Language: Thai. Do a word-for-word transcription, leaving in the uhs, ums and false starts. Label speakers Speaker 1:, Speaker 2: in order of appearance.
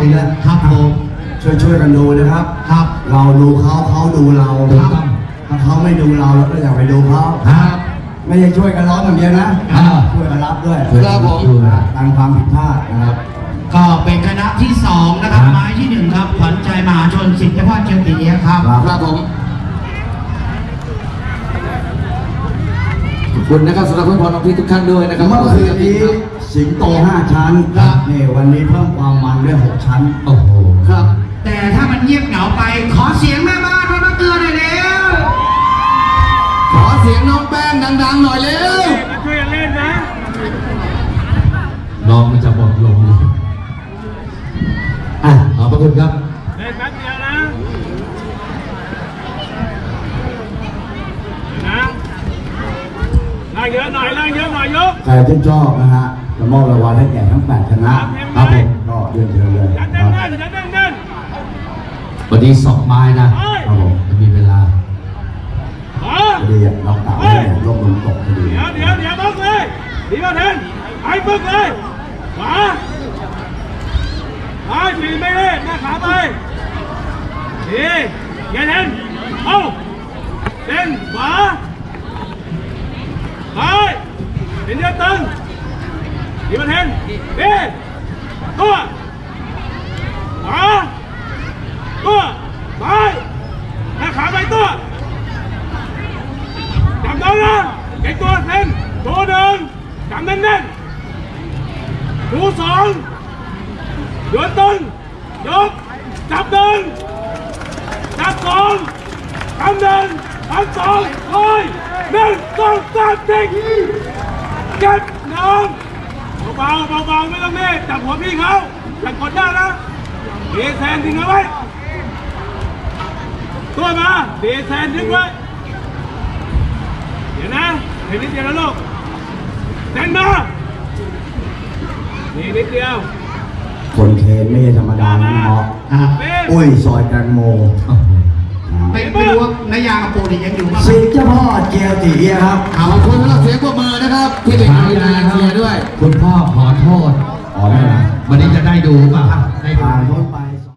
Speaker 1: อีกแล้วครับผมช่วยช่วยกันดูนะครับครับเราดูเขาเขาดูเราครับถ้าเขาไม่ดูเราเราก็อย่าไปดูเขาครับไม่ใช่ช่วยกันร้องอย่างเดียวนะช่วยกันรับด้วยครับผมการความผิดพลาดนะครับ
Speaker 2: ก็เป็นคณะที่สองนะครับไม้ที่หนึ่งครับขวัญใจมหาชนสิทธิพรเจติเนียครับ
Speaker 3: ครับผมขอบคุณนะครับสำหรับเพื่อนพ้องน้องพี่ทุกท่านด้วยนะครับ
Speaker 1: เมื่อคืนนี้สิงโตห้าชั้นครับนี่วันนี้เพิ่มความมันด้วยหกชั้น
Speaker 3: โอ้โห
Speaker 2: ครับแต่ถ้ามันเงียบเหงาไปขอเสียงแม่บ้านมาเตือนหน่อยเร็ว
Speaker 3: ขอเสียงน้องแป้งดังๆหน่อยเร็ว
Speaker 4: ช่วยกันเล่นนะ
Speaker 3: น้องมันจะหมดลมอ่ะขอบพระคุณครับ
Speaker 4: เล่นแป๊บเดียวนะนะล่างเยอะหน่อยล่างเยอะหน่อยยก
Speaker 1: ใครที่ชอบนะฮะจะมอบรางวัลให้แก่ทั้งแปดคณะครับผมก็เรียนเชิญเลย
Speaker 4: ยันเดินเดินยันเดินเดิน
Speaker 3: วันนี้สองไม้นะครับผมจะมีเวลา
Speaker 1: พอดีเราต่างให้ลงลงตกพอดี
Speaker 4: เดี๋ยวเดี๋ยวเดี๋ยวบึกเลยดีมาเทนไอ้บึกเลยขวาซ้ายสี่ไม่ได้หน้าขาไปดีแกเทนเอาเดินขวาไปเป็นเดือดตึงดีมาเทนดีตัวขวาตัวไปหน้าขาไปตัวจำได้นะเก่งตัวเส้นตัวหนึ่งจำแน่นแน่นตัวสองเดือดตึงยกจับหนึ่งจับสองจำหนึ่งจับสองลอยหนึ่งสองสามสี่เก็บน้องเบาๆเบาๆไม่ต้องเน่จับหัวพี่เขาอย่ากดได้นะเดแซนทิ้งเอาไว้ตัวมาเดแซนทิ้งไว้เดี๋ยวนะเห็นนิดเดียวนะลูกเดินมานี่นิดเดียว
Speaker 1: คนเคนไม่ใช่ธรรมดานะเนาะอุ้ยซอยแตงโม
Speaker 2: ไม่ไม่รู้ว่านายากับโปรดิยังอยู่ไหม
Speaker 1: สิเจ้าพ่อเจียวตีครับ
Speaker 3: ขอบคุณสำหรับเสียงปรบมือนะครับที่เป็นการนายเชียร์ด้วยคุณพ่อขอโทษ
Speaker 1: อ๋อไม่นะ
Speaker 3: วันนี้จะได้ดูป่ะ
Speaker 1: ได้ผ่านพ้นไป